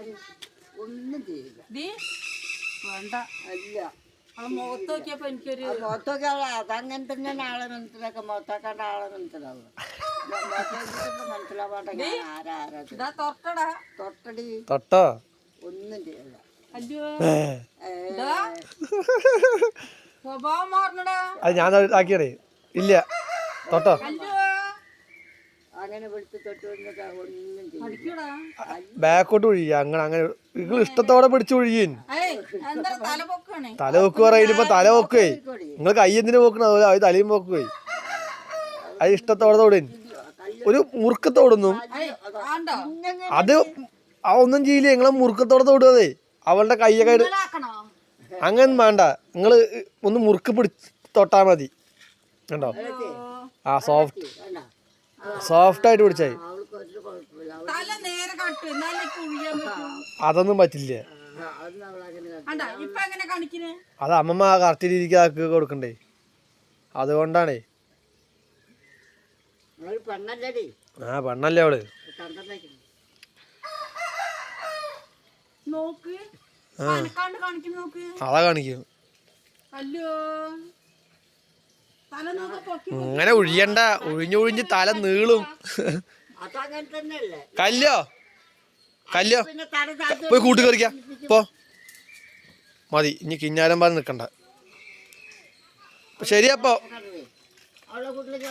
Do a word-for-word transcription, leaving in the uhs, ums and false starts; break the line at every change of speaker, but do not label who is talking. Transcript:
ഒന്നും ചെയ്യില്ല.
വേണ്ട
അല്ല
മുഖത്ത് നോക്കിയപ്പോ എനിക്കൊരു
മുഖത്തൊക്കെ അതങ്ങനെ തന്നെയാണ് ആളെ മനസ്സിലാക്കുക. മുഖത്താക്കാണ്ട് ആളെ മനസ്സിലാവുക. മനസ്സിലാവാട്ടെ ആരാ ആരാ
തൊട്ടടാ
തൊട്ടടി
തൊട്ടോ
ഒന്നും ചെയ്യില്ല.
അയ്യോ സ്വഭാവം മാറണടാ.
അത് ഞാൻ ആക്കിയടേ ഇല്ല തൊട്ടോ
അങ്ങനെ പിടിച്ച് തൊട്ട് വന്നിട്ട് ഒന്നും ചെയ്യില്ല.
ബാക്കോട്ട് ഒഴിയ അങ്ങനെ അങ്ങനെ നിങ്ങൾ ഇഷ്ടത്തോടെ പിടിച്ച് ഒഴിയൻ. തല വെക്ക് പറയുമ്പോ തല വെക്കുവേ. നിങ്ങൾ കൈ എന്തിനു പോക്കണ അത് തലയും പോക്കുവേ. അത് ഇഷ്ടത്തോടെ തോടൻ ഒരു മുറുക്കത്തോടൊന്നും അത് ആ ഒന്നും ചെയ്യില്ല. നിങ്ങളെ മുറുക്കത്തോടെ തോടുവതേ. അവളുടെ കയ്യൊക്കെ അങ്ങനെ വേണ്ട. നിങ്ങള് ഒന്ന് മുറുക്ക് പിടിച്ച് തൊട്ടാ മതി. കണ്ടോ ആ സോഫ്റ്റ് സോഫ്റ്റ് ആയിട്ട് പിടിച്ചായി. അതൊന്നും പറ്റില്ല. അത് അമ്മമ്മ കറക്റ്റ് രീതിക്ക് ആക്കി കൊടുക്കണ്ടേ. അതുകൊണ്ടാണേ. ആ പെണ്ണല്ലേ അവള്. അതാ കാണിക്കും. ഇങ്ങനെ ഒഴിയണ്ട. ഒഴിഞ്ഞൊഴിഞ്ഞ് തല നീളും. കല്ലോ കല്ലോ പോയി കൂട്ടി കറിക്ക പോ മതി. ഇനി കിഞ്ഞാരം പറഞ്ഞ് നിക്കണ്ട. ശരിയപ്പോ